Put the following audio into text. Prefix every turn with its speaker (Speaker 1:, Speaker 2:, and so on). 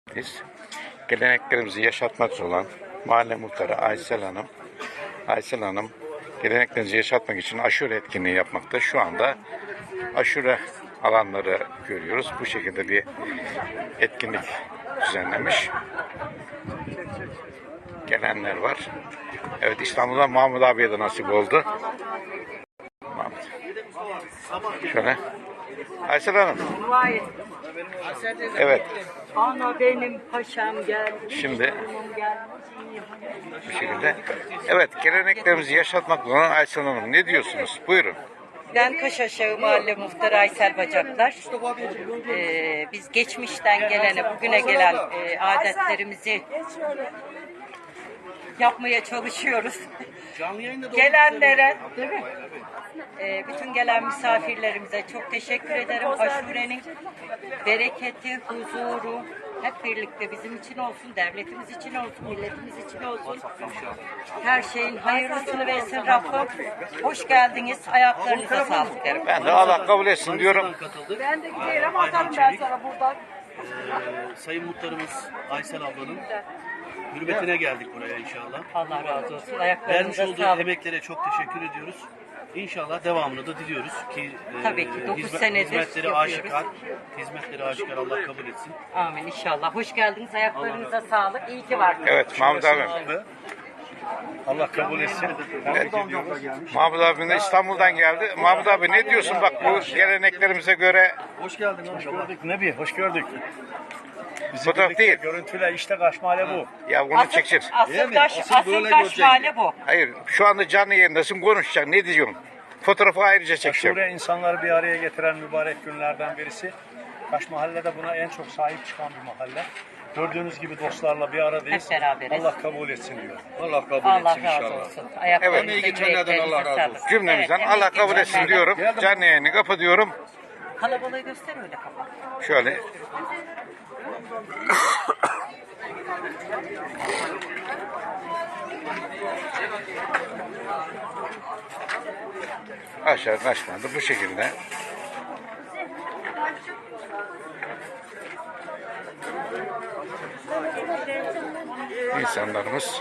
Speaker 1: Biz geleneklerimizi yaşatmak olan mahalle muhtarı Aysel Hanım geleneklerimizi yaşatmak için aşure etkinliği yapmakta. Şu anda aşure alanları görüyoruz. Bu şekilde bir etkinlik düzenlemiş. Gelenler var. Evet, İstanbul'dan Mahmut abiye de nasip oldu. Mahmut. Şöyle. Aysel Hanım. Evet.
Speaker 2: Ana benim paşam geldi.
Speaker 1: Şimdi bu şekilde. Evet, geleneklerimizi yaşatmak olan Aysel Hanım, ne diyorsunuz? Buyurun.
Speaker 2: Ben Kaşaşağı Mahalle Muhtarı Aysel Bacaklar. Biz geçmişten gelene, bugüne gelen adetlerimizi yapmaya çalışıyoruz. Gelenlere, değil mi? Bütün gelen misafirlerimize çok teşekkür ederim. Aşurenin bereketi, huzuru hep birlikte bizim için olsun, devletimiz için olsun, milletimiz için olsun. Her şeyin hayırlısını versin Rabbim. Hoş geldiniz. Ayaklarınıza sağlık derim.
Speaker 1: Ben de Allah kabul etsin diyorum.
Speaker 2: Ben de giderim, atarım ben sana buradan.
Speaker 3: Sayın Muhtarımız Aysel ablanın hürmetine geldik buraya inşallah.
Speaker 2: Allah razı olsun.
Speaker 3: Vermiş
Speaker 2: Ayaklarınıza
Speaker 3: olduğu
Speaker 2: sağlık.
Speaker 3: emeklere çok teşekkür ediyoruz. İnşallah devamını da diliyoruz ki
Speaker 2: Tabii ki, 9 senedir
Speaker 3: hizmetleri
Speaker 2: yapıyoruz.
Speaker 3: aşikar Allah kabul etsin.
Speaker 2: Amin inşallah. Hoş geldiniz. Ayaklarınıza sağlık. İyi ki varsınız.
Speaker 1: Evet, Mahmut abi.
Speaker 3: Allah kabul etsin.
Speaker 1: Evet. Mahmut abi de İstanbul'dan geldi. Mahmut abi, ne diyorsun bak bu geleneklerimize göre?
Speaker 3: Hoş geldin.
Speaker 4: Hoş gördük Nebi, hoş gördük. Bizi
Speaker 1: Fotoğraf
Speaker 4: birlikte
Speaker 1: değil.
Speaker 4: Görüntüle işte Kaşmale bu.
Speaker 1: Ya bunu çeksin.
Speaker 2: Asıl taş mahalle bu.
Speaker 1: Hayır, şu anda canlı yayındasın, konuşacaksın. Ne diyorsun? Fotoğrafı ayrıca çekeceğim.
Speaker 4: Aşure insanları bir araya getiren mübarek günlerden birisi. Kaşmahalle de buna en çok sahip çıkan bir mahalle. Gördüğünüz gibi dostlarla bir aradayız.
Speaker 2: Hep beraberiz.
Speaker 4: Allah kabul etsin diyor.
Speaker 3: Allah kabul
Speaker 2: Allah razı olsun. Ayaklarınıza,
Speaker 1: Evet.
Speaker 2: yüreklerinize sağlık.
Speaker 1: Cümlemizden
Speaker 2: Evet,
Speaker 1: Allah
Speaker 2: emeği
Speaker 1: kabul etsin
Speaker 2: geçenler.
Speaker 1: diyorum. Canlı yayını kapatıyorum.
Speaker 2: Kalabalığı göster öyle kapat.
Speaker 1: Şöyle. Aşağı kaçmadı bu şekilde. İnsanlarımız